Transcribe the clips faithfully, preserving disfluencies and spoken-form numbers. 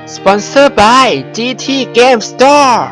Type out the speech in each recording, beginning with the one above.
Sponsored by จี ที Game Store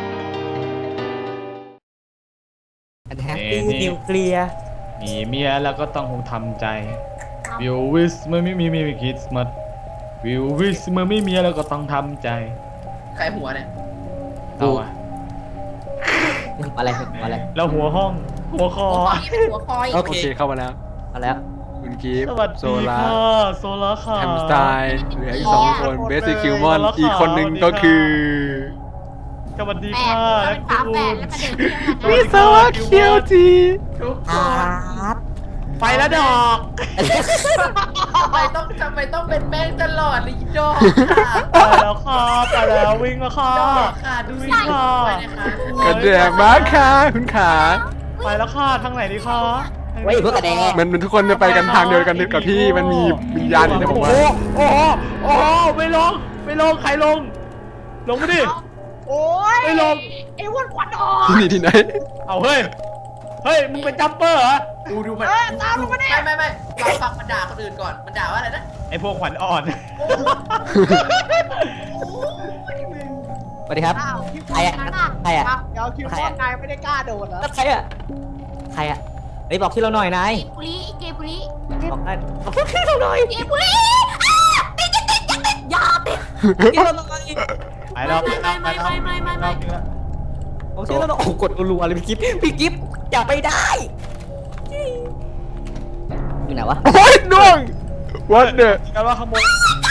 แฮปปี้นิวเคลียร์มีเมียแล้วก็ต้องคงทำใจวิววิสเมื่อไม่มีมีคิดมัดวิววิสเมื่อไม่มีแล้วก็ต้องทำใจใครหัวเนี่ยเอาอะอะไรอะไรแล้วหัวห้องหัวคอหัวคอโอเคเข้ามาแล้วมาแล้วคุณกิฟต์สวัสดีโซล่าโซล่าค่ะแฮมสไตล์เหลืออีกสองคนเบสคิวมอนอีกคนหนึ่งก็คือสวัสดีค่ะเป็นฝาแฝดแล้วประเด็นวิศวะเคียวจีทุกคนไปแล้วดอกทำไมต้องทำไมต้องเป็นแป้งตลอดเลยดอกไปแล้วค่ะไปแล้ววิ่งแล้วค่ะดอกค่ะดูสิค่ะกระเดียมากค่ะคุณขาไปแล้วค่ะทางไหนดีคะเว้ยพวกกระแดงมันทุกคนจะไปกันทางเดียวกันกับที่มันมีวิญญาณอยู่ในผมว่าโอ้โหโอ้โหไม่ลงไม่ลงใครลงลงมาดิโอ้ยไม่ลงไอ้วันควันออกที่นี่ที่ไหนเอาเฮ้ยเฮ้ยมึงเป็นจัมเปอร์เหรอดูดูมันตามลงมาดิไม่ไม่ไม่เราฟังมันด่าคนอื่นก่อนมันด่าว่าอะไรนะไอ้พวกขวัญอ่อนสวัสดีครับใครอะใครอะเดี๋ยวคิวว่านายไม่ได้กล้าโดนเหรอใครอะใครอะไอ้บอกที่เราหน่อยนายปุริเกปุริบอกได้บอกที่เราหน่อยเกปุริติดติดติดติดยาติดที่เราหน่อยไปแล้วไปแล้วไม่ไม่ไม่ไม่ไม่บอกที่เราหน่อยโอ้กดรัวเลยพี่กิฟพี่กิฟอย่าไปได้อยู่ไหนวะโอ้ยน่วงวัดเด้อกันว่าขโมย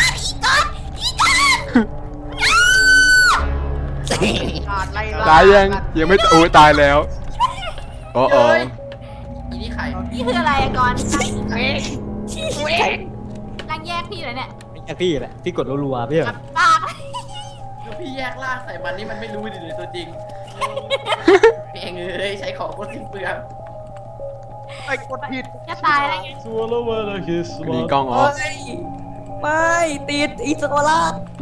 ตายยังยังไม่โอ้ตายแล้วโอ้โหอีนี่ใครนี่คืออะไรก่อนเว้ยเว้ยร่างแยกพี่เลยเนี่ยไม่ใช่พี่แหละพี่กดรัวๆพี่เหรอปากพี่แยกล่างใส่มันนี่มันไม่รู้ดิเลยตัวจริงเองเอ้ยใช้ของคนสิ้นเปลืองไอ้กดผิดจะตายแล้วไงซัวโลเวอร์คิสมีกล้องออฟไม่ติดอีสโกล่า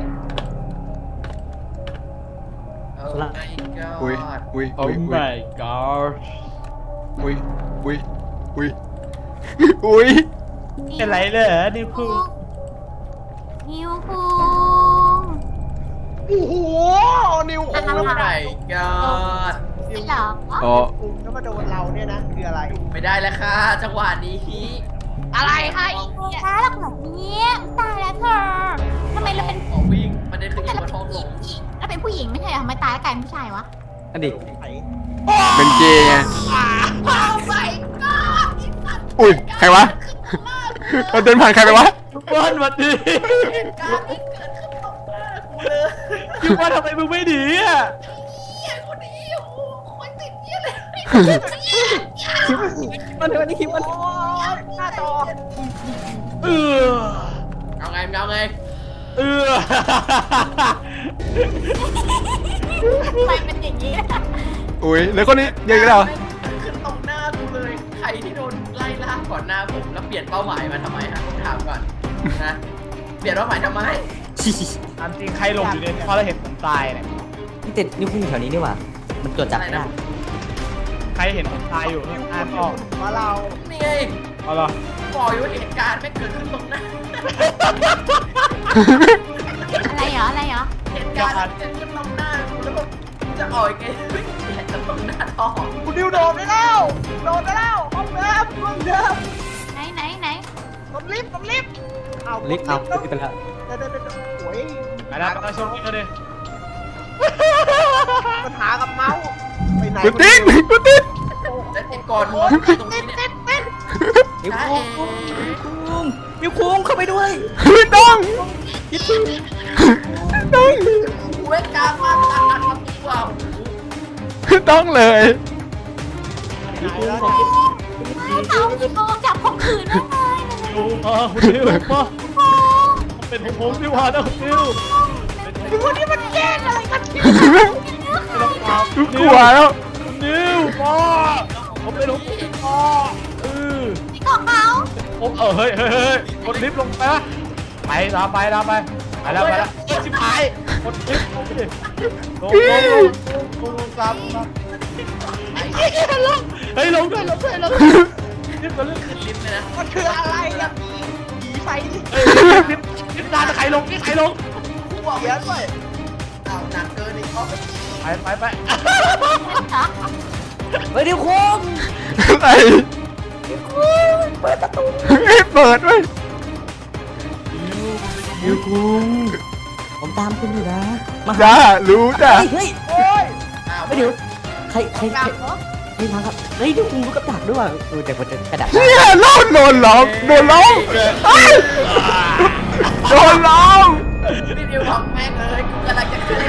อุ้ยอุ้ยโอ้ my god อุ้ยอุ้ยอุ้ยอุ้ยเป็นไรเลยนิวคุงนิวคุงโอ้โหนิวคุง oh my god นิวอ๋อแล้วมาโดนเราเนี่ยนะคืออะไรไม่ได้แล้วค่ะจังหวะนี้อะไรคะอีกเนี่ยช้าหลักแบบนี้ตายแล้วเธอทำไมเราเป็นผู้หญิงมันได้เป็นผู้หญิงเราเป็นผู้หญิงไม่ใช่เหรอทำไมตายแล้วกลายเป็นผู้ชายวะอันนี้เป็นเกย์ไงอุ้ยใครวะเราเดินผ่านใครไปวะบอลวันดีคิดว่าทำไมมึงไม่หนีอ่ะคนนี้โอ้โหคนติดเยี่ยเลยมันวันนี้คิดว่าหน้าจอเออเอาไงเอาไงเออทำไมเป็นอย่างนี้อุ้ยแล้วคนนี้ยังไงเราขึ้นตรงหน้ากูเลยใครที่โดนไล่ล่าก่อนหน้าผมแล้วเปลี่ยนเป้าหมายมาทำไมฮะผมถามก่อนนะเปลี่ยนเป้าหมายทำไมตามจริงใครลงอยู่เนี่ยเพราะเราเห็นผมตายเนี่ยนี่ติดนิ้วพุ่งแถวนี้นี่หว่ามันจดจับไม่ได้ใครเห็นผมตายอยู่อ่านออกมาเรานี่ไงเอาล่ะบอกอยู่เหตุการณ์ไม่เกิดขึ้นตรงหน้าอะไรเหรออะไรเหรอเหตุการณ์เกิดขึ้นตรงหน้ากูแล้วก็จะอ่อยแกไม่เห็นตรงหน้าท้องกูดิวโดดได้แล้วโดดได้แล้วห้องเดิมห้องเดิมไหนไหนไหนลงลิฟต์ลงลิฟต์เอาลิฟต์เอาลิฟต์ไปแล้วเดินเดินเดินโอ้ยไปแล้วไปชมกันเลยปัญหากับเมาส์ไปไหนกูติดกูติดแล้วติดก่อนหัวตรงนี้เนี่ยนิ้วคุ้งนิ้วคุ้งเข้าไปด้วยไม่ต้องคิดถึงต้องกูเวกามาตัดตัดทำดีกว่าต้องเลยนิ้วคุ้งของคิดเอานิ้วคุ้งจับข่มขืนได้ไงดูมาคุณนิวมาเป็นผมผมที่ว่านะคุณนิวดูนี่มันแย่อะไรกันที่กูกลัวแล้วนิวพ่อผมเป็นลูกพ่อเออนี่ของเขาผมเออเฮ้ยเฮ้ยเฮ้ยกดลิฟต์ลงไปนะไปตามไปตามไปไปแล้วไปแล้วเอ้ยชิบหายกดลิฟต์ลงไปดิลงลงลงลงลงตามมาเฮ้ยลงเฮ้ยลงด้วยลงด้วยลงลิฟต์มันลิฟต์ขึ้นลิฟต์เลยนะมันคืออะไรอะผีผีไฟเฮ้ยลิฟต์ลิฟต์นานใครลงนี่ใครลงเขียนด้วยเอาหนักเกินอีกเขาไปไปไปไปเฮ้ยเดี๋ยวคุงอะไรเปิดประตูเปิดเว้ยเดี๋ยวคุงผมตามคุณอยู่นะมาจ้ารู้จ้าเฮ้ยโอ้ยอ้าวเฮ้ยเดี๋ยวใครใครกใครลับเหรอใครมาครับเฮ้ยเดี๋ยวคุงรู้กับดักด้วยว่ะเออแต่ผมจะกระดักเนี่ยโดนโดนล้อมโดนล้อมเฮ้ยโดนล้อมพี่ดิวบอกแม่งเลยกูกำลังจะขึ้น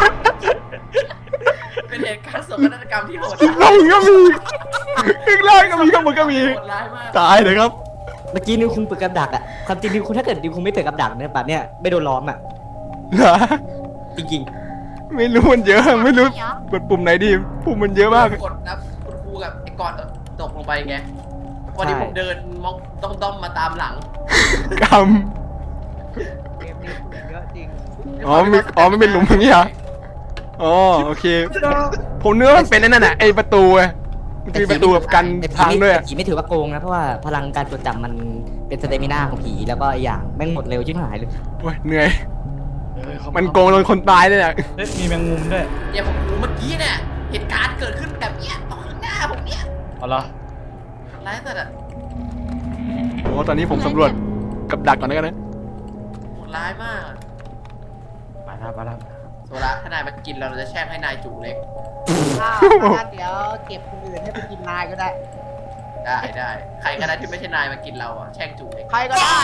เป็นเหตุการณ์โศกนาฏกรรมที่โหดลงก็มีข้างล่างก็มีข้างบนก็มีโหดร้ายมากตายเลยครับเมื่อกี้นิวคุงเปิดกับดักอ่ะความจริงนิวคุงถ้าเกิดนิวคุงไม่เปิดกับดักเนี่ยป่ะเนี่ยไม่โดนล้อมอ่ะเหรอจริงไม่รู้มันเยอะไม่รู้กดปุ่มไหนดีปุ่มมันเยอะมากกดนะคุณครูกับไอ้กอดตกลงไปไงวันนี้ผมเดินมองต้องด้อมมาตามหลังกรรมเกมนี้เยอะจริงอ๋อไม่อ๋อไม่เป็นหลุมอย่างนี้เหรออ๋อโอเค ผมเนื้อมันเป็นไอ้นั่นน่ะไอประตูไงมันจะมีประตูแบบกันๆแต่ทางด้วยอะผีไม่ถือว่าโกงนะเพราะว่าพลังการจดจำมันเป็นสเตมินาของผีแล้วก็อีกอย่างแม่งหมดเร็วชิบหายเลยโอ้ยเหนื่อยมันโกงโดนคนตายเลยอ่ะเฮ้ยมีแมงมุมด้วยเนี่ยผมรู้เมื่อกี้เนี่ยเหตุการณ์เกิดขึ้นแบบเนี้ยตรงข้างหน้าผมเนี่ยเอาเหรอร้ายสัสอะโอ้ตอนนี้ผมสำรวจกับดักก่อนแล้วกันนะโหดร้ายมากไปแล้วไปแล้วโซล่าถ้านายมากินเราเราจะแช่งให้นายจูเล็กอ้าวงั้นเดี๋ยวเก็บคนอื่นให้ไปกินนายก็ได้ได้ได้ใครก็ได้ที่ไม่ใช่นายมากินเราอะแช่งจูเล็กใครก็ได้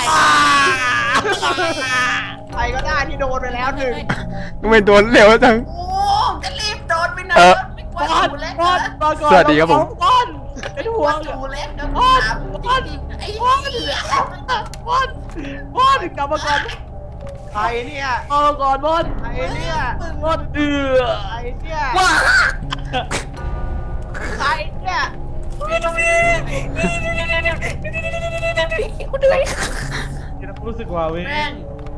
ใครก็ได้ที่โดนไปแล้วหนึ่งทำไมโดนเร็วจังโอ้จะรีบโดนไปไหนเออไม่กว่าจูเล็กนะสวัสดีครับผมเป็นห่วงจูเล็กนะพ่อจริงๆไอ้พ่อเหลือบอลบอลกลับมาก่อนใครเนี่ยเอาก่อนบอลใครเนี่ยบอลเอือใครเนี่ยว้าใครเนี่ยคุณเหนื่อยรู้สึกว่าเว้ยแม่ง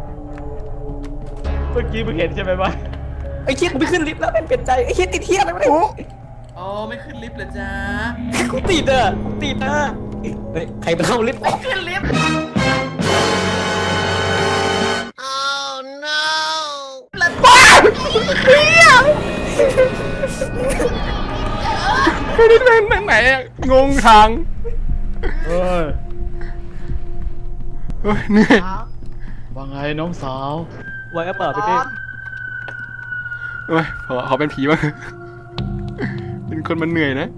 เมื่อกี้มึงเห็นใช่ไหมวะไอ้เชี่ยกูไม่ขึ้นลิฟต์แล้วเป็นเปลี่ยนใจไอ้เชี่ยติดเที่ยอะไรไม่ได้อ๋อไม่ขึ้นลิฟต์เหรอจ๊ะกูติดอ่ะกูติดอ่ะเฮ้ยใครมาเข้าลิฟต์ไม่ขึ้นลิฟต์ไม่ได้เล่นทางไหนอะงงทางเฮ้ยเฮ้ยเหนื่อยว่าไงน้องสาวไว้ก็เปิดบไปอดิลเฮ้ยขอขอเป็นผีบ้างเป็นคนมันเหนื่อยนะ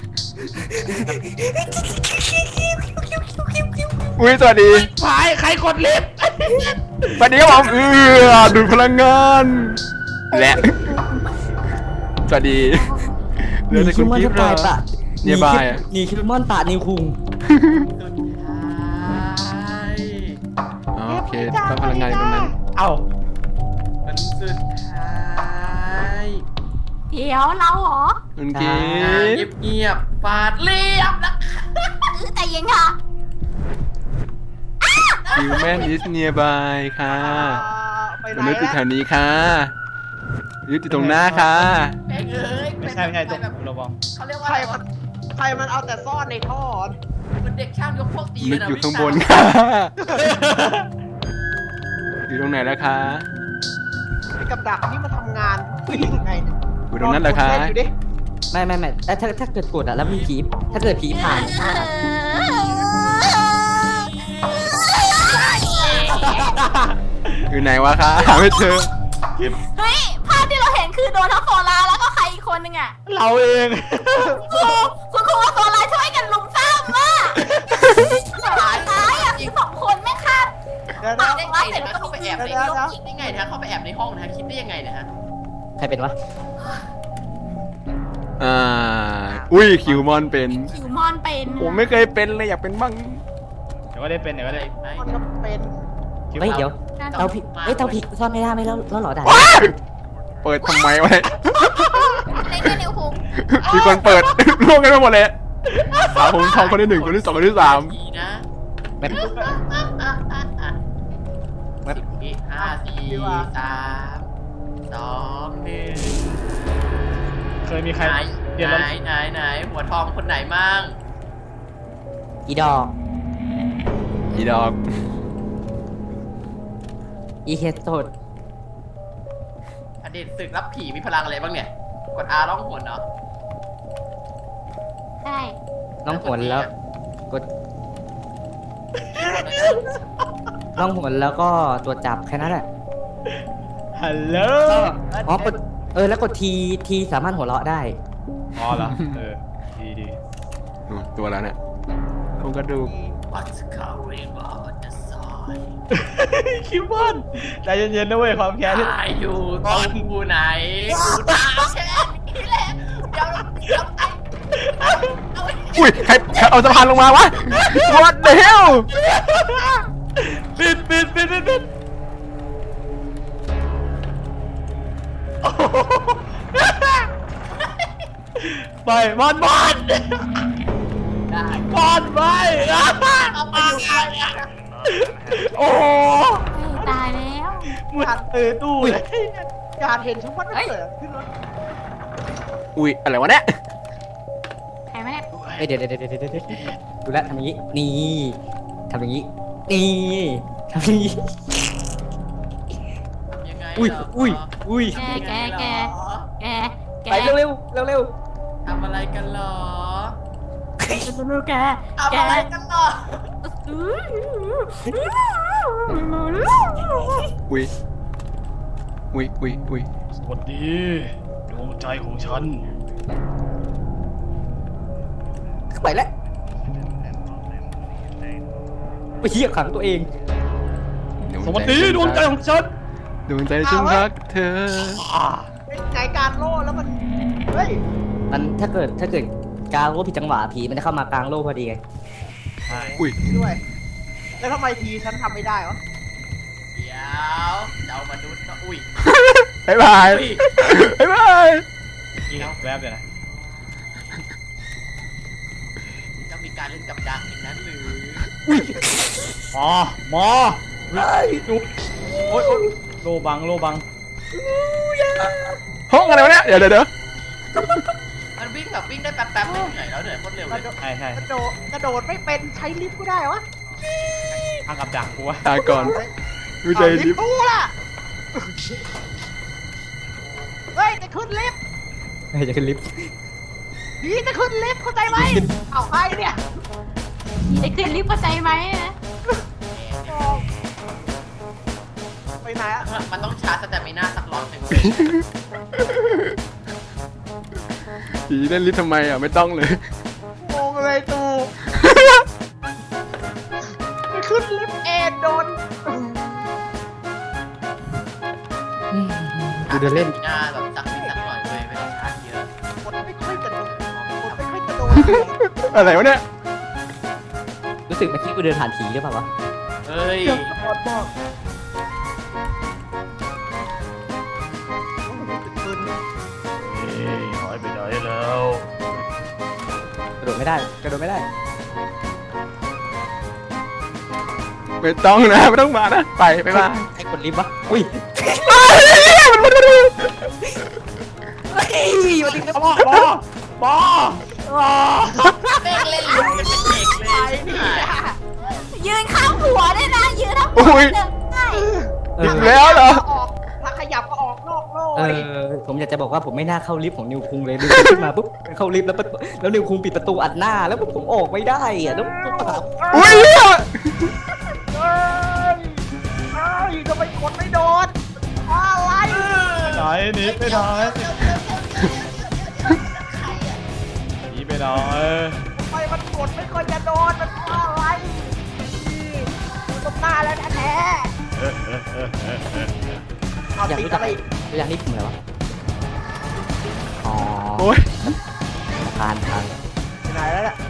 อุ้ยสวัสดีพายใครกดลิฟต์สวัสดีครับผมเออดูดพลังงานและสวัสดีเหลือแต่คุณกิฟต์ตายปะเนี่ยบายอะหนีคิวมอนปะนิวคุงสุดท้ายอ๋อโอเคต้องพลังงานอยู่ตรงนั้นเอ้ามันสุดท้ายเดี๋ยวเราเหรอคุณกิอ่าฟต์เงียบๆฟาดเรียบนะคะเออแต่ยังค่ะฮิวแมนอิสเนียบายค่ะอ่าไปไหมนนุษย์อยู่แถแล้ววนี้ค่ะยุติตรงหน้าค่ะแม่งเอ้ยไม่ใช่ไม่ใช่ตรงแบบระวังเขาเรียกว่าใคอะรไรมัวะนใครมันเอาแต่ซ่อนในท่อมันเด็กช่างยกพวกตีนึกักนนะอยู่ข้างบนวิชค่ะ อยู่ตรงไหนแล้วคะไอ้กับดักนี่มันทำงานวิ่งยังไงเนี่ยอยู่ตรงนั้นเหรอคะลงกดเล่นอยู่ดิไม่ไม่ไม่แต่ถ้าถ้าเกิดกดอ่ะแล้วมีผีถ้าเกิดผีผ่านอยู่ไหนวะคะหาไม่เจอเฮ้ย ภาพที่เราเห็นคือโดนทั้งโซลาร์แล้วก็ใครอีกคนนึงอ่ะเราเองครูคุณครูว่าโซลาร์ช่วยกันลุมซ้ำอ่ะตายตายอ่ะสองคนไม่ฆ่าเดี๋ยวปานะกได้ว่าไงเสร็จนะแล้วก็เข้าไปมีแอบในเดี๋ยวห้องเดี๋ยวคิดได้ไงนะเข้าไปแอบในห้องนะคิดได้ยังไงนะฮะใครเป็นวะอ่าอุ้ยคิวมอนเป็นคิวมอนเป็นผมไม่เคยเป็นเลยอยากเป็นบ้างเดี๋ยวก็ได้เป็นเดี๋ยวก็ได้ไหนมันก็เป็นคิวเฮ้ยเอาเดี๋ยวเตาผีเอ้ยเตาผีซ่อนไม่ได้ไหมแล้วแล้วเหรอด่าว้ายเปิดทำไมวะเนี่ยในแค่นิ้วคุงมีคนเปิด ร่วงกันไปหมดเลยสาวผมทองคนที่หนึ่งคนที่สองคนที่สามดีนะแบบสิบวิห้าสี่สามสองหนึ่งเคยมีใครไหนเปลี่ยนไหรนถไหนไหนหัวทองคนไหนมั่งอีดอกอีดอกอีเฮดโตดเด็ดศึกรับผีมีพลังอะไรบ้างเนี่ยกด R ร้องหวนเนาะใช่น้องหวนแล้วกดน้องหวนแล้วก็ตัวจับแค่นั้นแหละฮัลโหลอ๋อกดเออแล้วกดทีทีสามารถหัวเราะได้อ๋อเหรอเออดีดีอืมตัวแล้วเนี่ยโครงกระดูก What's going on the side คิมบอนใจเย็นๆนะเว้ยความแค้นตายอยู่ตรงกูไหนกูตายแค่นี้แหละเดี๋ยวเดี๋ยวไอ้เอาไอ้อุ้ยใครใครเอาสะพานลงมาวะ What the hell ปิดปิดปิดปิดปิดโอ้โหไปบอลบอลได้บอลไปเอาไปอยู่ไปโอ้โหตายแล้วมึงตื่นตู้เลยอยากเห็นชุดมันเกิดขึ้นแล้วอุ้ยอะไรวะเนี่ยใครไม่ได้เอ้ยเดี๋ยวเดี๋ยวเดี๋ยวเดี๋ยวเดี๋ยวดูแลวทำอย่างนี้นี่ทำอย่างนี้นี่ทำอย่างนี้ยังไงอุ้ยเหรอุ้ยอุ้ยแกแกแกแกแกไปเร็วเร็วเร็วเร็วทำอะไรกันเหรอดูแกทำอะไรกันเหรออุ้ยอุ้ยอุ้ยอุ้ยสวัสดีดวงใจของฉันไปแล้วไปเหี้ยขังตัวเองสวัสดีดวงใจของฉันดวงใจฉันรักเธอเป็นไงการโล่แล้วมันเฮ้ยมันถ้าเกิดถ้าเกิดกลางโลกผิดจังหวะผีมันจะเข้ามากลางโลกพอดีไงอุ้ยด้วย แล้วทำไมทีฉันทำไม่ได้วะเดี๋ยวเจ้ามนุษย์ก็อุ้ยบ๊ายบายอุ้ยบ๊ายบายนี่แวบเลยนะจะมีการเล่นกับดักอย่างนั้นหรือหมอหมอดูโอ๊ยโอ๊ยโลบังโลบังห้องอะไรวะเนี่ยเดี๋ยวเดี๋ยวเดี๋ยวมันวิ่งแบบวิ่งได้แป๊บๆไม่เหนื่อยแล้วเหนื่อยโคตรเร็วกเลระยโดดใช่ใช่กระโดดกระโดดไม่เป็นใช้ลิฟต์ก็ได้วะทางกับดักกูวะตาก่อนดูใจเอาลิดิฟต์กูล่ะเฮ้ยจะขึ้นลิฟต์ไม่จะขึ้นลิฟต์ผีจะขึ้นลิฟต์เข้าใจไหมเอาใครเนี่ยได้ขึ้นลิฟต์เข้าใจไหมนะไปไหนอะมันต้องชาร์จสเตมิน่าสักร้อยหนึ่งผีเล่นลิฟต์ทำไมอ่ะไม่ต้องเลยงงเลยตูไปขึ้นลิฟต์เองโดนกูเดินเล่นสตมิน่าแบบสักนิดสักหน่อยเลยไม่ต้องชาร์จเยอะคนไม่ค่อยกระโดดคนไม่ค่อยกระโดดอะไรวะเนี่ยรู้สึกเมื่อกี้กูเดินผ่านผีหรือเปล่าวะเฮ้ยเดี๋ยวกระโดดบอกเฮ้ยหายไปไหนแล้วกระโดดไม่ได้กระโดดไม่ได้ไม่ต้องนะไม่ต้องมานะไปไปมาใครกดลิฟต์วะอุ้ยมันมันมันเฮ้ยวันนี้ก็บอบอบอแม่งเล่นลิ้นกันเป็นเด็กเลยยืนข้างหัวด้วยนะยืนทั้งหัอุ้วย เดินได้เออีอกแล้วเหรอออกถ้าขยับก็ออกนอกโลกเอดิอผมอยากจะบอกว่าผมไม่น่าเข้าลิฟต์ของนิวคุงเลยนิวคุงขึ้นมาปุ๊บเข้าลิฟต์แล้วปุ๊บแล้วนิวคุงปิดประตูอัดหน้าแล้วผมออกไม่ได้อะแล้วต้องหาอุ้ยเฮ้ยเฮ้ยทำไมกดไม่โดนอะไรไหนหนีไปไหนหนีไปไหนทำไมมันกดไม่ค่อยจะโดนมันเพราะอะไรนี่อยู่ตรงหน้าแล้วแท้ๆเอาอยากติดรู้จัอะกไรอีกอยากนี่ผมอะไรวะอ๋อโอ้ยทานทานไปไหนแล้วเนี่ย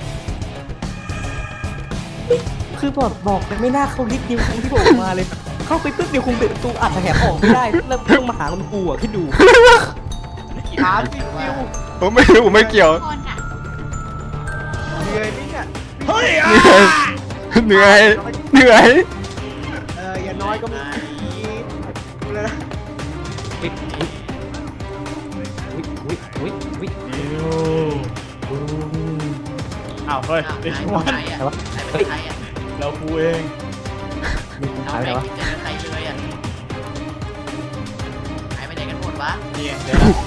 คือบอกบอกเลยไม่น่าเข้าลิฟต์นิวคุงที่ผมมาเลย เข้าไปปุ๊บนิวคุงปิดประตูอัดแหกออกไม่ได้แล้วต้องมาหาคนกูอ่ะคิดดูถามจริงจิวผมไม่รู้ผมไม่เกี่ยวคนอ่ะเหนื่อยไหมเนี่ยเฮ้ยเหนื่อยเหนื่อยเหนื่อยเอออย่าน้อยก็มีดูเลยนะวิวิวิวิวิวิดิวอ้าวเฮ้ยอ้าวไอ้หายชไปวนไหนอ่ะหายไปไหนอ่ะเรากูเองนิวคุงเราหายไปไม่ไหนวะคิดจะเจอใครเลยอ่ะหายไปไหนกันวะนี่ไงเดี๋ยวนะ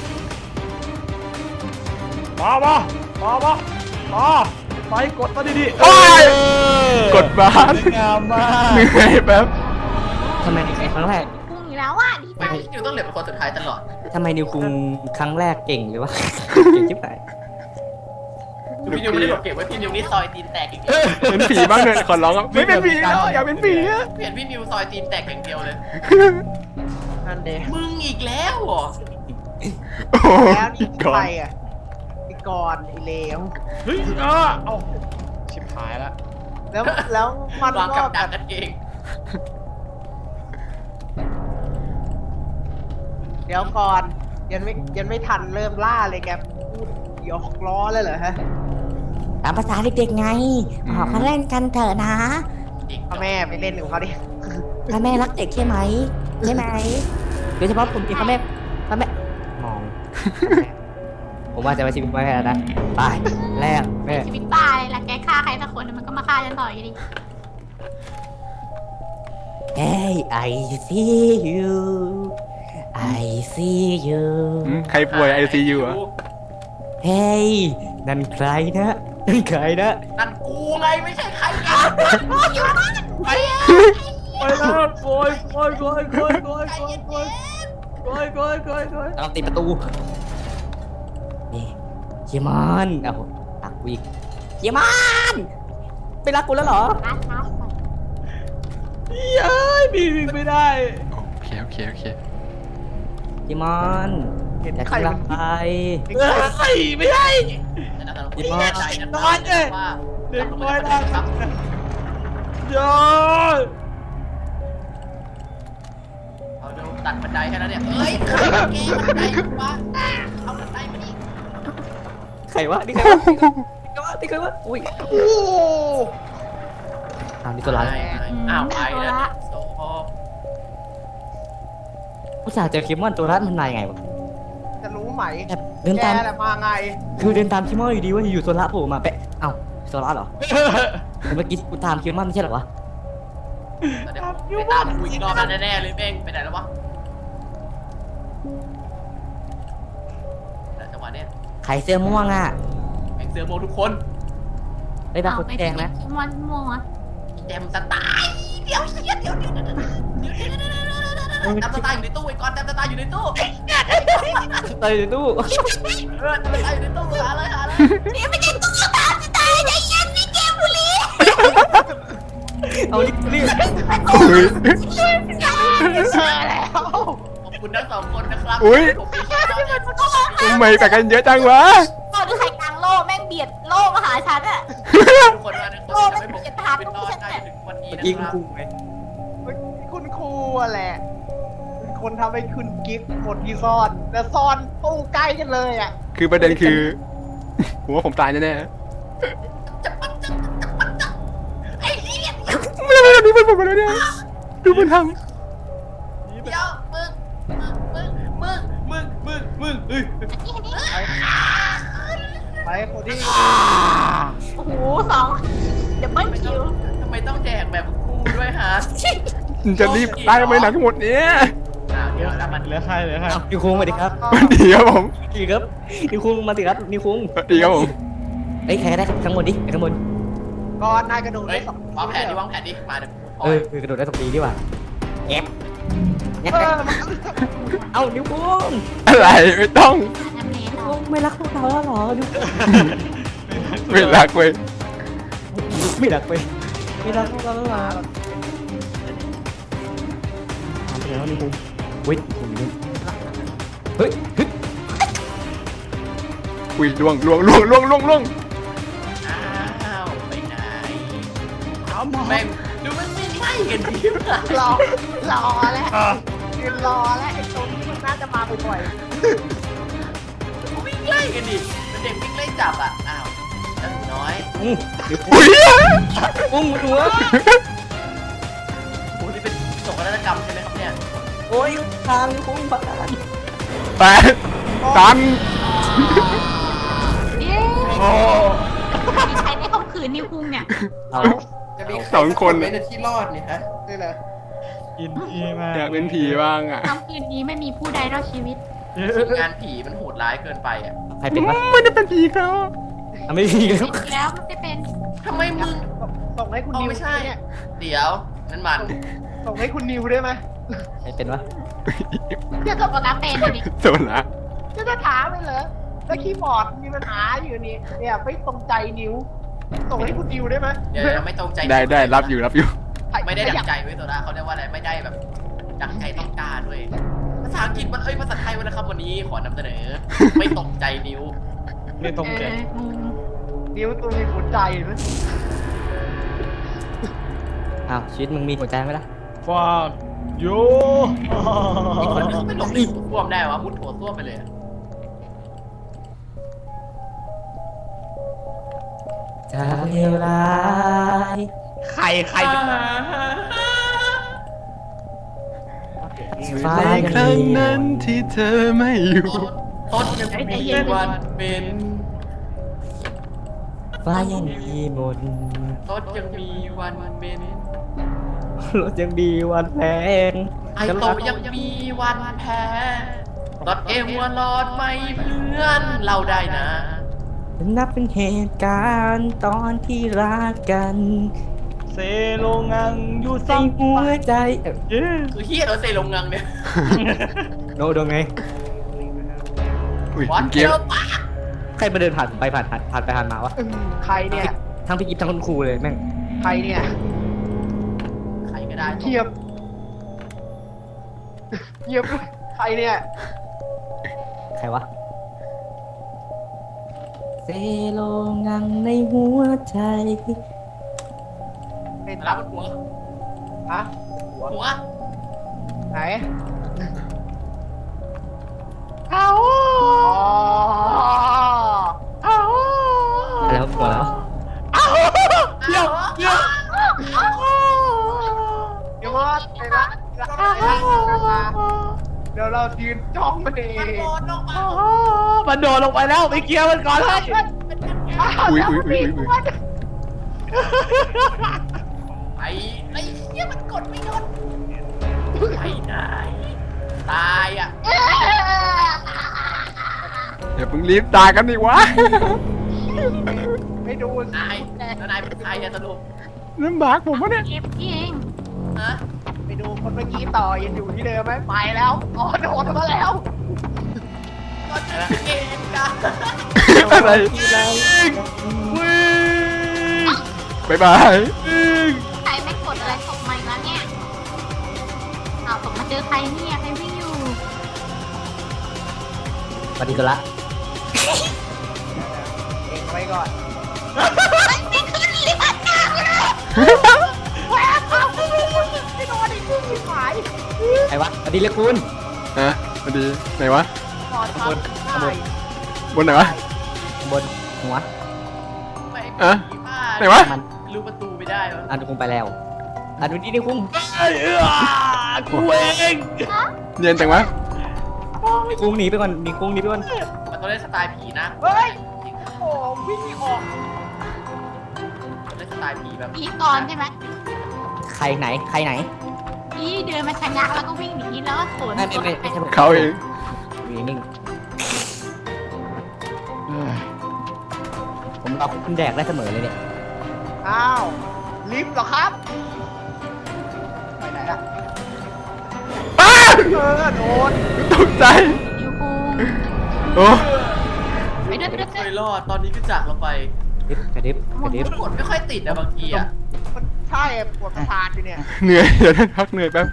มามามามามาไปกดมาดีๆโอ้ยเออกดบ้านสวยงามมากเหนื่อยแป๊บทำไมในครั้งแรกพุ่งอีกแล้วอ่ะดีใจไม่พี่นิวต้องเหลือเป็นคนสุดท้ายตลอดทำไมนิวคุงครั้งแรกเก่งหรือวะ เก่งจิ๊บไหนพี่นิวไม่ได้หลบเก็บไว้พี่นิวนี่ซอยตีนแตกอย่างเดียวเป็นผีบ้างเลยขอร้องอะไม่เป็นผีแล้วอยากเป็นผีอะเห็นพี่นิวซอยตีนแตกอย่างเดียวเลยนั่นเด้มึงอีกแล้วเหรอโอ้โหแล้วนี่ก่อใครนอ่ะไอ้ก่อนไอ้เลวเฮ้ยเออเอาชิบหายละแล้วแล้วมันวางก็กับแบดักบกันเองเดี๋ยวก่อนยังไม่ยังไม่ทันเริ่มล่าเลยแกพูดหยอกล้อเลยเหรอฮะตามภาษาเด็กๆไงออกมาเล่นกันเถอะนะอีกพ่อแม่ไปเล่นของเขาดิพ่อแม่รักเด็กใช่ไหมใช่ไหมโดยเฉพาะผมที่พ่อแม่พ่อแม่มอง ผมว่าจะไปชีวิตไม่แพ้นะไปแรกแม่ชีวิตบ้าเลยล่ะแกฆ่าใครสักคนมันก็มาฆ่าฉันต่ออยู่ดีเฮ้ย I see you I see you อืมใครป่วยไอซียูอะเฮ้ยนั่นใครนะนั่นใครนะนั่นกูไงไม่ใช่ใครกันอยู่บ้านไปไปแล้วโกยโกยโกยโกยโกยโกยโกยโกยโกยโกยโกยต้องติดประตูนี่เชียร์มันเอ้าตักวิกเชียร์มันไม่รักกูแล้วเหรอร้านร้านเย้ยมีวิ่งไม่ได้โอเคโอเคโอเคเชียร์มันเห็นแต่กำลังไปเฮ้ยไม่ใช่แต่นะผมแน่ใจนะว่าเด็กน้อยนะนะครับ ยอดเอาดูตัดบันไดแค่นั้นเนี่ยเอ้ยใครมาแกบันไดวะเอาบันไดมาดิใครวะนี่ใครวะนี่ใครวะนี่ใครวะอุ้ยโอ้อ้าวนี่ตัวร้ายอ้าวไปแล้วโซ่ผู้ชายเจอคิมมอนตัวร้ายมันมายังไงวะจะรู้ไหมแบบเดินแกตามแหละมาไงคือเดินตามคิมมอนอยู่ดีว่าอยู่ๆตัวร้ายโผล่มาแปะเอ้าตัวร้ายเหรอแต่เมื่อกี้กูตามคิมมอนไม่ใช่เหรอวะเดี๋ยวไปตามกูอีกรอบแล้วแน่ๆเลยเม่งไปไหนแล้ววะจังหวะเนี้ยใครเสื้อม่วงอ่ะแม่งเสือโมทุกคนไอ้ตาคนแดงนะคิมอนม่วงอ่ะแจมสไตล์เดี๋ยวเดี๋ยวเดี๋ยวเดี๋ยวเดี๋ยวเดี๋ยวเดี๋ยวเดี๋ยวเดี๋ยวแจมสไตล์อยู่ในตู้ไอ้ก้อนแจมสไตล์อยู่ในตู้เตยตู้เออแจมสไตล์อยู่ในตู้หาเลยหาเลยนี่ไม่ใช่ตุ๊กตาสไตล์ใจเย็นนี่เกมบุรีเอารีบรีบอุ้ยเจอแล้วขอบคุณทั้งสองคนนะครับอุ๊ยผมมีชื่อแล้วเนี่ยทำไมกัดกันเยอะจังวะก็ดูใครกลางโล่แม่งเบียดโล่มาหาฉันอ่ะทุกคนว่าทุกคนจะไม่ผมเป็นรอดได้ถึงวันนี้นะยิงครับกูไงคุณครูอะแหละเป็นคนทำให้คุณกิฟต์หมดที่ซ่อนแต่ซ่อนตู้ใกล้กันเลยอ่ะคือประเด็นคือผมว่าผมตายแน่ไอ้เหี้ยๆไม่ได้ดูมันผมมาแล้วเนี่ยดูมันทเดี๋ยวมึงมึงมึงมึงมึงมึงเฮ้ยไปคนที่โอ้โหสองเดี๋ยวเบิ้ลคิวทำไมต้องแดกแบบกูด้วยฮะำจะรีบตายทำไมหนังหมดเนี้ยอ่าเดี๋ยวแล้วมันเหลือใครเหลือใครอ้าวนิวคุงมาดิครับมันดีครับผมดีครับนิวคุงมาสิครับนิวคุงดีครับผมเอ้ยใครก็ได้ข้างบนดิข้างบนก่อนนายกระโดดเฮ้ได้ยสองวางแผนดิวางแผนดิมาเดี๋ยวเออคือกระโดดได้สักทีดีกว่าแอบแอบเออมันก็เอ้านิวคุงอะไรไม่ต้องน้ำเนสนิวคุงไม่รักพวกเราแล้วเหรอนิวคุงไม่รักเว้ยไม่รักไปไม่รักพวกเราแล้วเหรอทำไปแล้วนิวคุงเฮ้ยนิวคุงอยู่นู่นเฮ้ยเฮ้ยอุ้ยล่วงล่วงล่วงล่วงล่วงล่วงอ้าวไปไหนเอาหมอแม่งดูมันไม่ไล่กันดิวะรอรอแล้วยืนรอแล้วไอ้ตรงที่มันน่าจะมาบ่อยวิ่งไล่กันดิมันเด็กวิ่งไล่จับอ่ะอ้าวเจ้าหนูน้อยอืมนิวคุงอุ้ยปุ้งหัวโอ้นี่เป็นโศกนาฏกรรมใช่ไหมครับเนี่ยโอ้ยทางนิวคุงพังแปดตันเย้โอ้มีใครได้ข่มขืนนิวคุงเนี่ยเอาจะมีสองคนไม่ได้ที่รอดเนี่ยฮะๆนี่เลยกินอีมากอยากเป็นผีบ้างอ่ะค่ำคืนนี้ไม่มีผู้ใดรอดชีวิตงานผีมันโหดร้ายเกินไปอ่ะใครเป็นวะไม่ได้เป็นผีเขาอ่ะไม่มีแล้วแล้วไม่เป็นทำไมมึงส่งให้คุณเอานิวไม่ใช่เนี่ยเดี๋ยวนั่นมันส่งให้คุณนิวได้ไหมใครเป็นวะจะตกกับเป็นดิโซล่าจะจะถามไปเหรอแล้วคีย์บอร์ดมีปัญหาอยู่นี่เนี่ยไม่ตรงใจนิ้ว ส่งให้คุณนิวได้ไหมเดี๋ยวยังไม่ตรงใจได้ได้รับอยู่รับอยู่ไม่ได้ดังใจเว้ยตัวนะเขาเรียกว่าอะไรไม่ได้แบบดังใจต้องการเว้ยภาษาอังกฤษมันเอ้ยภาษาไทยวันนะครับวันนี้ขอนำเสนอ ไม่ตรงใจนิ้วไม่ตรงเอใจออืมนิ้วตัวมีหัวใจไหมอ้าวชีวิตมึงมีหัวใจไหมล่ะฟาดโยมีคนที่เขาไม่หลบในหัวส้วมได้วะมุดหัวส้วมไปเลยอะจะเลวร้ายใครใครจะฟ้าในยังครั้งมีนั้นที่เธอไม่อยู่ต้นยังมีวันเป็นฟ้ายังมีมนต์ต้นยังมีวันเป็นรถยังมีวันแพงไอโตยังมีวันแพ้รถเอวัวรอดไม่เพื่อนเราได้นะนับเป็นเหตุการณ์ตอนที่รักกันเซโลงังอยู่ในซังหัวใจเอ้ยเย้คือเฮียเราเซลงงังเนี่ยโนโดนไงอุ้ยวัดเมื่อเดีกี้ยวปะใครมาเดินผ่านไปผ่านผ่านผ่านไปผ่านมาวะอืมใครเนี่ยทั้งพี่กิฟทั้งคุณครูเลยแม่งใครเนี่ยใครก็ได้เทียบเทียบใครเนี่ยใครวะเซโลงังในหัวใจเป็นรับมันหัวฮะหัวไหนเอาเอาอะไรวะหัวแล้วเดี๋ยวเดี๋ยวเดี๋ยวว่าไปละเดี๋ยวเรายืนจ้องมันเองโดนลงมามันโดดลงไปแล้วไปเกียร์มันก่อนเลยอุ้ยอุ้ยอุ้ยอุ้ยอุ้ยไอ้ไอ้เฮียมันกดไม่โดนไปไหนตายอ่ะอย่าเพิ่งรีบตายกันดิวะไม่ดูนายแล้วนายเป็นใครอะสรุปลำบากผมวะเนี่ยเก็บนี่เองฮะไปดูคนเมื่อกี้ต่อยังอยู่ที่เดิมไหมไปแล้วอ๋อโดนมาแล้วก็จะเกณฑ์กันอะไรบายบายใครไม่กดอะไรตกมาอีกแล้วเนี่ยเอาตกมาเจอใครเนี่ยใครวิ่งอยู่ปฏิกุละเองไว้ก่อนไม่ขึ้นลิฟต์หน้าเลยแหวกเอาไม่โดนไอ้ผู้ชิบหายใครวะปฏิเลคุณฮะพอดีไหนวะขอทำได้บนไหนวะบนหัวไม่อะ ไหนวะมันรู้ประตูไม่ได้วะอันนี้คงไปแล้วอันนี้นี่คุ้งไอ้เออกูเองเนียนจังวะคุ้งหนีไปก่อนหนีคุ้งหนีไปก่อนมันต้องเล่นสไตล์ผีนะเฮ้ยจริงโอ้วิ่งไม่ออกต้องเล่นสไตล์ผีแบบผีก่อนใช่ไหมใครไหนใครไหนผีเดินมาชะงักแล้วก็วิ่งหนีแล้วก็สวนไม่ไม่ไม่ไม่ใช่ผมเขาเองอยู่นิ่งผมเอาคุณแดกได้เสมอเลยเนี่ยอ้าวลิฟต์เหรอครับไปไหนล่ะอ้าเออโดนตกใจยูคูโอ้ไปเดินไปเดินเคยรอดตอนนี้ก็จากเราไปกระดิบกระดิบกระดิบมันกดไม่ค่อยติดอะบางทีอะมันใช่ปวดประสาทอยู่เนี่ยเหนื่อยเดี๋ยวพักเหนื่อยแป๊บ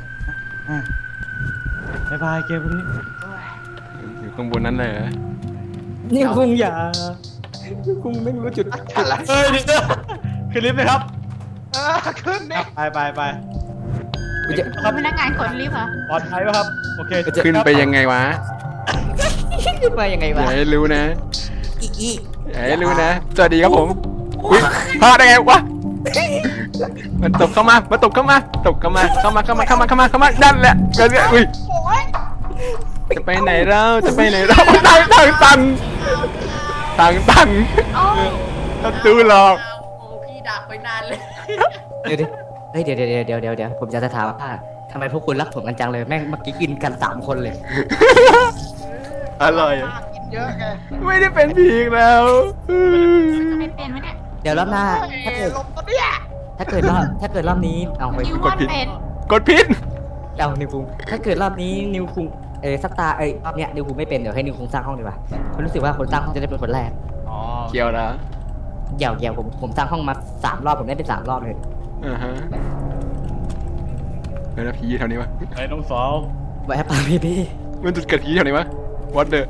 บายบายเกมนี้อยู่ข้างบนนั้นเลยเหรอนี่คุ้งอย่าคุ้งไม่รู้จุดอะไรเฮ้ยเดี๋ยวขึ้นลิฟต์ไหมครับเออขึ้นเนี่ยไปไปไปกูจะเป็นพนักงานกดลิฟต์เหรอปลอดภัยป่ะครับโอเคขึ้นไปยังไงวะขึ้นมายังไงอวะย่าให้รู้นะอีอีอย่าให้รู้นะ สวัสดีครับผมอุ้ยพลาดได้ไงวะ มันตกเข้ามา มันตกเข้ามา ตกเข้ามา เข้ามา เข้ามา เข้ามา เข้ามา เข้ามานั่นแหละเรื่อยๆอุ้ยโอ้ยจะไปไหนเราจะไปไหนเราทางทางตันทางตันประตูหลอกโอ้พี่ดักไปนานเลยเดี๋ยวดิเฮ้ยเดี๋ยวเดี๋ยวเดี๋ยวเดี๋ยวเดี๋ยวผมจะถามว่าทำไมพวกคุณรักผมกันจังเลยแม่งเมื่อกี้กินกันสามคนเลยอร่อยอะกินเยอะไงไม่ได้เป็นผีอีกแล้วไม่เป็นไหมเนี่ยเดี๋ยวรอบหน้า ถ้าเอ้เกิยดลมตัวเนี้ยถ้าเกิดรอบถ้าเกิดรอบนี้เอาไปนิวว่าเป็นกดพิษเอานิวคุงถ้าเกิดรอบนี้นิวคุงเออสตาร์เอ้ยรอบเนี้ยนิวคุงไม่เป็นเดี๋ยวให้นิวคุงสร้างห้องดีกว่าผมรู้สึกว่าคนสร้างห้องจะได้เป็นคนแรกอ๋อเกี่ยวนะเดี๋ยวเดี๋ยวผมผมสร้างห้องมาสามรอบผมได้เป็นสามรอบเลยอ่าฮะเฮ้ยแล้วผีแถวนี้วะไอ้น้องสาวไว้ให้ปาพี่พี่มันจุดเกิดผีแถวนี้วะ what the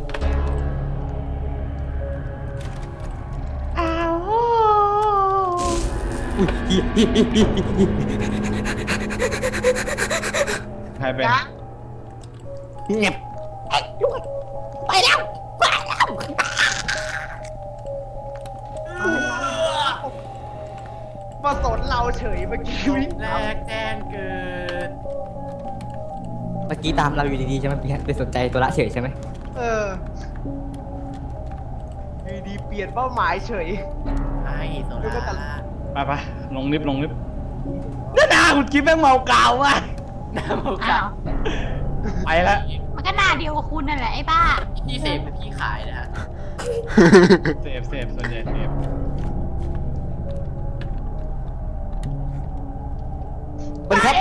อุ้ยฮิฮิฮิฮิฮิใครเป็นนะเงียบไอ้ยุ่งไปแล้วไปแล้วมาสนเราเฉยเมื่อกี้วิ่งแรกแจ้งเกิดเมื่อกี้ตามเราอยู่ดีๆใช่ไหมพี่ไปสนใจตัวละเฉยใช่ไหมเอออยู่ดีเปลี่ยนเป้าหมายเฉยไอ้โซล่าไปไปลงลิฟต์ลงลิฟต์นี่นาคุณกิ๊ฟแม่งเมากาวว่ะน้ำมันอ้าวไปแล้วมันก็หน้าเดียวกับคุณนั่นแหละไอ้บ้าพี่เสพหรือพี่ขายนะฮะเซฟเซฟส่วนใหญ่เซฟสวัสดีครับ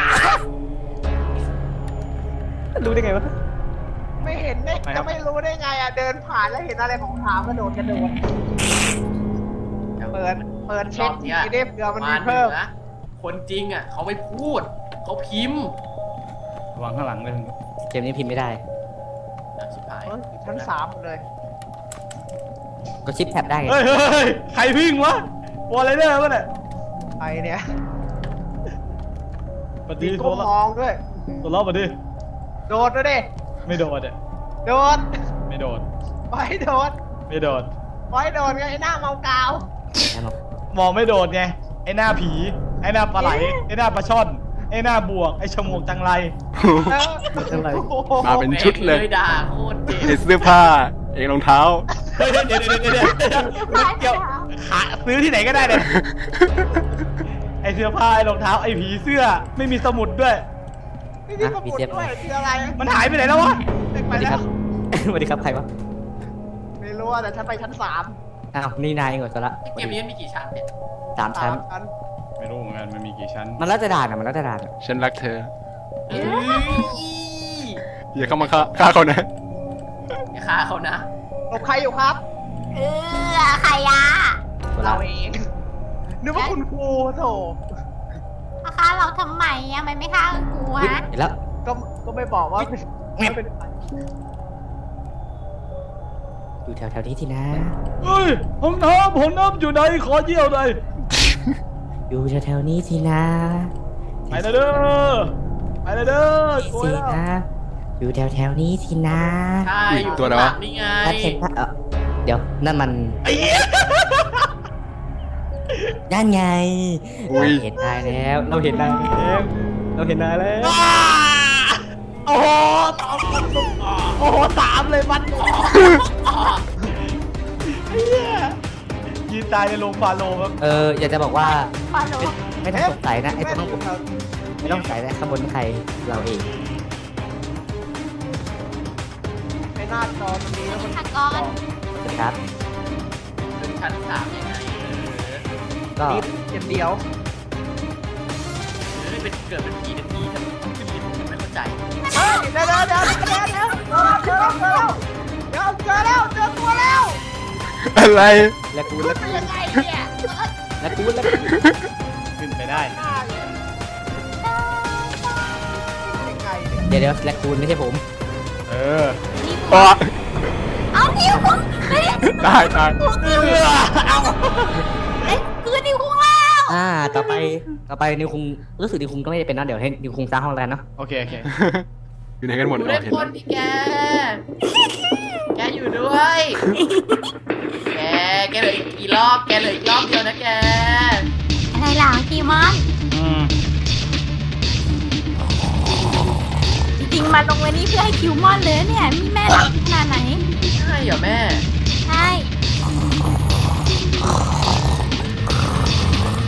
รู้ได้ไงวะไม่เห็นได้จะไม่รู้ได้ไงอ่ะ เดินผ่านแล้วเห็นอะไรของขาวกระโดดกระโดด เปิด เปิดเช็คทีได้เผื่อมันมีเพิ่มนะคนจริงอ่ะเขาไม่พูด เขาพิมพ์ระวังข้างหลังเลยเกมนี้พิมพ์ไม่ได้อ่ะสุดท้ายเฮ้ยชั้นสามหมดเลยก็ชิปแท็บได้ไงเฮ้ยเฮ้ยเฮ้ยใครวิ่งวะวอลเลเดอร์วะเนี่ยไอเนี่ยปมีฏิโทก้มรมองด้วยตัวเราปฏิโดดด้วยดิไม่โดดอ่ะโดดไม่โดดไว้โดดไม่โดดไว้โดดไงไอ้หน้าเมากาวแน่นอนมองไม่โดดไง ไอ้หน้าผี ไอ้หน้าปลาไหล ไอ้หน้าปลาช่อน ไอ้หน้าบวก ไอ้ฉมวกจังไรเออมาเป็นชุดเลยแม่งด่าโคตรเจ็บไอเสื้อผ้า เองรองเท้าเฮ้ยเดี๋ยวเดี๋ยวเดี๋ยวเดี๋ยวเดี๋ยวมันเกี่ยวขาซื้อที่ไหนก็ได้เลยไอ้เสื้อผ้า ไอ้รองเท้า ไอ้ผีเสื้อ ไม่มีสมุดด้วยนี่มีสมุดด้วยคืออะไรมันหายไปไหนแล้ววะเด็กสไปวัสดีแล้ครัวบ สวัสดีครับใครวะไม่รู้อะแต่ฉันไปชั้นสามอ้าวนี่นายเองเหรอตัวละเกมนี้มันมีกี่ชั้นเนี่ยสามชั้นชั้นไม่รู้เหมือนกัน มันมีกี่ชั้นมันแล้วจะด่านอ่ะมันแล้วจะด่านอะฉันรักเธอเอ้ยอย่าเข้ามาฆ่าฆ่าเขานะอย่าฆ่าเขานะหลบใครอยู่ครับเออใครอะตัวละเราเองนึกว่าคุณครูโถมาฆ่าเราทำไมอะมันไม่ฆ่ากูอุ๊ยฮะเห็นแล้วก็ก็ไม่บอกว่าเป็นไม่เป็นใครอยู่แถวๆนี้ที่นะเฮ้ยห้องน้ำห้องน้ำอยู่ไหน ขอเยี่ยวหน่อยอยู่แถวๆนี้ที่นะไปเลยเด้อ ไปเลยเด้อโกยสิแล้วนะอยู่แถวๆนี้ที่นะใช่อยู่ตัวไหนข้างหวะลังนี่ไงถ้าเห็นถ้าเออเดี๋ยวนั่นมันนั่นไงอุ๊ยเราเห็นนายแล้ว เราเห็นนายแล้วเราเห็นนายแล้วโอ้โหสามโอ้โหสามเลยมันไอ้เหี้ยยืนตายในโรงฟาโลครับเอออยากจะบอกว่าฟาโลไม่ต้องสงสัยนะไอ้ตรงนั้นผมไม่ต้องสงสัยนะข้างบนใครเราเองไอ้หน้าจอตรงนี้แล้วมันฆาตกรนะครับขึ้นชั้นสามยังไงเออก็นิดเดียวเดียวเออเป็นเกิดเป็นผีเป็นผีแต่ต้องขึ้นลิฟต์ผมไม่เข้าใจเฮ้ยเดี๋ยวเดี๋ยวเดี๋ยวเดี๋ยวเดี๋ยวเจอแล้วเจอแล้วเดี๋ยวเจอแล้วเจอตัวแล้วอะไรและกูขึ้และนไปกูยังไงเนี่ยและกูและกูขึ้นไปได้หน้าเนี่ยยังไงเนี่ยเดี๋ยวเดี๋ยวและกูไม่ใช่ผมเอออ๋อเอานิ้วคุงเฮ้ยตายตายเอาเอ้ยคือนิ้วคุงแล้วอ่าต่อไปต่อไปนิวคุงรู้สึกนิวคุงก็ไม่ได้เป็นนะเดี๋ยวให้นิวคุงสร้างห้องแล้วกันเนาะโอเค โอเคอยู่ไหนกันหมดอยู่อ๋ได้อเห็นคแล้วนที่แก แกอยู่ด้วย แก แกเหลืออีกกี่รอบ แกเหลืออีกรอบเดียวนะแกอะไรหลังกีมอนอืมจริงๆมาลงไว้นี่เพื่อให้คิวมอนเลยเนี่ยมีแม่หลังขนาดไหนใช่เหรอแม่ใ